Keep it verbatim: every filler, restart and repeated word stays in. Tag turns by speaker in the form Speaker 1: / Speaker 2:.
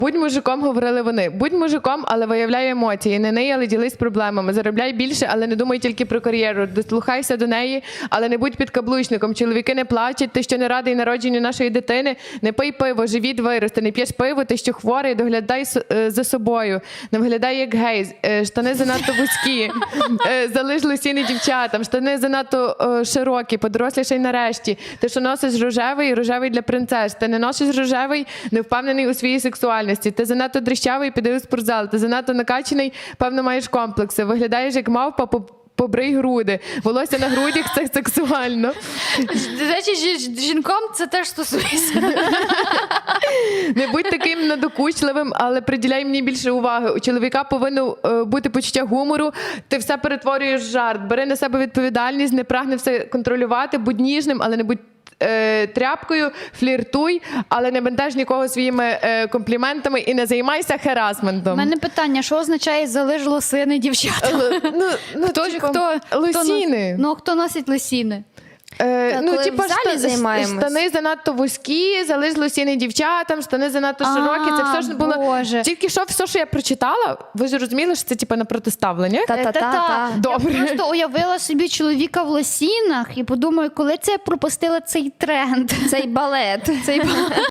Speaker 1: Будь мужиком, говорили вони. Будь мужиком, але виявляй емоції. Не ний, але ділись проблемами. Заробляй більше, але не думай тільки про кар'єру. Дослухайся до неї, але не будь підкаблучником. Чоловіки не плачуть, ти що не радий народженню нашої дитини. Не пий пиво, живіт виросте. Не п'єш пиво, ти що хворий, доглядай за собою. Не виглядай як гей. Штани занадто вузькі. Залиш лосіни дівчатам. Штани занадто широкі, подорослішай нарешті. Ти що носиш рожевий, рожевий для принцес. Ти не носиш рожевий, не впевнений у своїй сексуальності. Ти занадто дрищавий, піди у спортзал. Ти занадто накачаний, певно, маєш комплекси. Виглядаєш як мавпа, побрий груди. Волосся на грудях – це сексуально.
Speaker 2: До речі, жінком це теж стосується.
Speaker 1: Не будь таким надокучливим, але приділяй мені більше уваги. У чоловіка повинно бути почуття гумору. Ти все перетворюєш в жарт. Бери на себе відповідальність, не прагни все контролювати. Будь ніжним, але не будь тряпкою, фліртуй, але не бентеж нікого своїми е, компліментами і не займайся херасментом.
Speaker 2: У мене питання, що означає залиш лосини дівчата?
Speaker 1: Ну, ну,
Speaker 2: хто,
Speaker 1: типу,
Speaker 2: хто,
Speaker 1: лосіни.
Speaker 2: Хто, ну, хто носить лосіни?
Speaker 1: Е,
Speaker 3: Так,
Speaker 1: ну,
Speaker 3: коли
Speaker 1: типа,
Speaker 3: в залі
Speaker 1: шта-
Speaker 3: займаємось.
Speaker 1: штани занадто вузькі, залиш лосіни дівчатам, штани занадто
Speaker 2: А,
Speaker 1: широкі. Це все ж було.
Speaker 2: Боже.
Speaker 1: Тільки що все, що я прочитала, ви ж розуміли, що це типу на протиставленнях.
Speaker 3: Та-та-та.
Speaker 1: Добре.
Speaker 2: Я просто уявила собі чоловіка в лосінах і подумаю, коли це я пропустила цей тренд.
Speaker 3: Цей балет.
Speaker 2: Цей